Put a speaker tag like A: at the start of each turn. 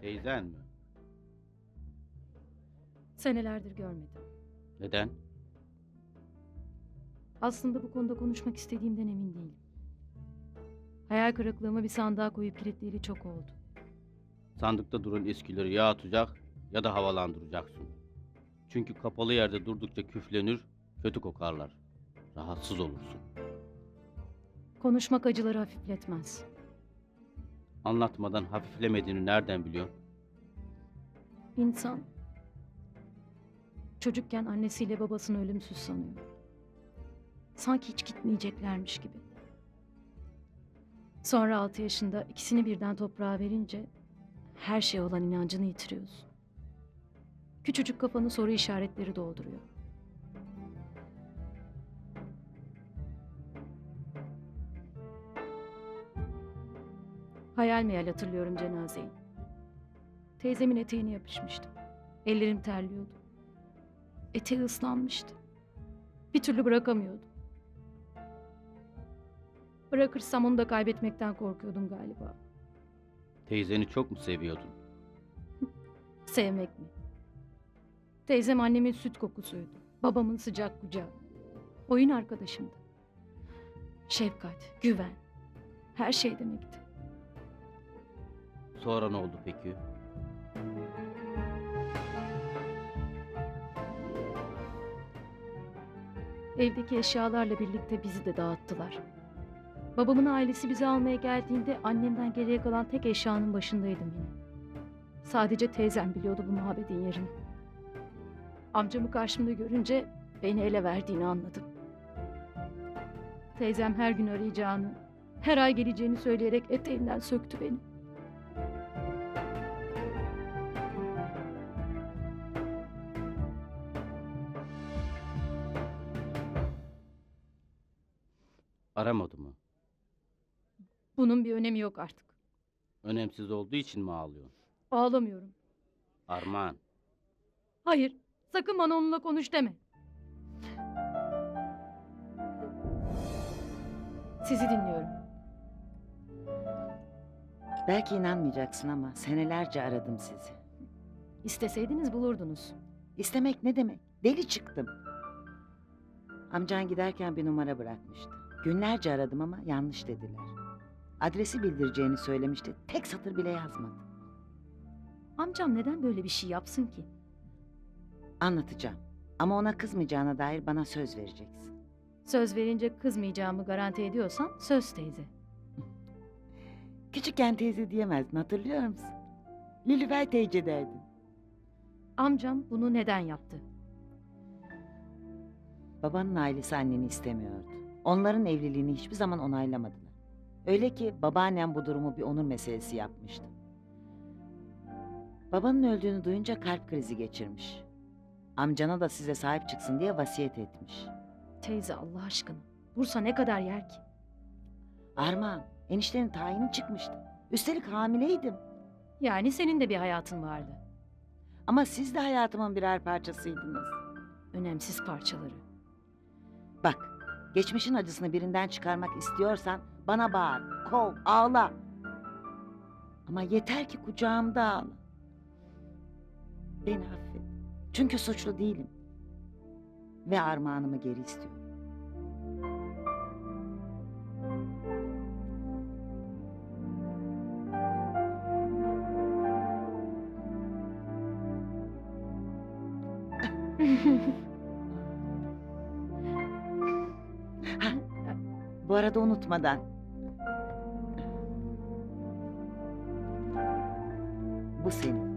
A: Teyzen mi?
B: Senelerdir görmedim.
A: Neden?
B: Aslında bu konuda konuşmak istediğimden emin değilim. Hayal kırıklığımı bir sandığa koyup kilitleyeli çok oldu.
A: Sandıkta duran eskileri ya atacak ya da havalandıracaksın. Çünkü kapalı yerde durdukça küflenir, kötü kokarlar. Rahatsız olursun.
B: Konuşmak acıları hafifletmez.
A: Anlatmadan hafiflemediğini nereden biliyorsun?
B: İnsan çocukken annesiyle babasını ölümsüz sanıyor. Sanki hiç gitmeyeceklermiş gibi. Sonra 6 yaşında ikisini birden toprağa verince her şeye olan inancını yitiriyorsun. Küçücük kafanı soru işaretleri dolduruyor. Hayal meyal hatırlıyorum cenazeyi. Teyzemin eteğine yapışmıştım. Ellerim terliyordu. Eteği ıslanmıştı. Bir türlü bırakamıyordum. Bırakırsam onu da kaybetmekten korkuyordum galiba.
A: Teyzeni çok mu seviyordun?
B: Sevmek mi? Teyzem annemin süt kokusuydu. Babamın sıcak kucağı. Oyun arkadaşımdı. Şefkat, güven. Her şey demekti.
A: Sonra ne oldu peki?
B: Evdeki eşyalarla birlikte bizi de dağıttılar. Babamın ailesi bizi almaya geldiğinde annemden geriye kalan tek eşyanın başındaydım yine. Sadece teyzem biliyordu bu muhabbetin yerini. Amcamı karşımda görünce beni ele verdiğini anladım. Teyzem her gün arayacağını, her ay geleceğini söyleyerek eteğinden söktü beni.
A: Aramadı mı?
B: Bunun bir önemi yok artık.
A: Önemsiz olduğu için mi ağlıyorsun?
B: Ağlamıyorum.
A: Armağan,
B: Hayır, sakın bana onunla konuş deme. Sizi dinliyorum.
C: Belki inanmayacaksın ama senelerce aradım sizi.
B: İsteseydiniz bulurdunuz.
C: İstemek ne demek? Deli çıktım. Amcan giderken bir numara bırakmıştı. Günlerce aradım ama yanlış dediler. Adresi bildireceğini söylemişti. Tek satır bile yazmadı.
B: Amcam neden böyle bir şey yapsın ki?
C: Anlatacağım. Ama ona kızmayacağına dair bana söz vereceksin.
B: Söz verince kızmayacağımı garanti ediyorsan söz teyze.
C: Küçükken teyze diyemezdin, hatırlıyor musun? Lülüfer teyze derdin.
B: Amcam bunu neden yaptı?
C: Babanın ailesi anneni istemiyordu. Onların evliliğini hiçbir zaman onaylamadılar. Öyle ki babaannem bu durumu bir onur meselesi yapmıştı. Babanın öldüğünü duyunca kalp krizi geçirmiş. Amcana da size sahip çıksın diye vasiyet etmiş.
B: Teyze Allah aşkına. Bursa ne kadar yer ki?
C: Armağan, eniştenin tayini çıkmıştı. Üstelik hamileydim.
B: Yani senin de bir hayatın vardı.
C: Ama siz de hayatımın birer parçasıydınız.
B: Önemsiz parçaları.
C: Bak, geçmişin acısını birinden çıkarmak istiyorsan bana bağır, kov, ağla. Ama yeter ki kucağımda ağla. Beni affet. Çünkü suçlu değilim. Ve armağanımı geri istiyorum. Ha, bu arada unutmadan. Bu senin.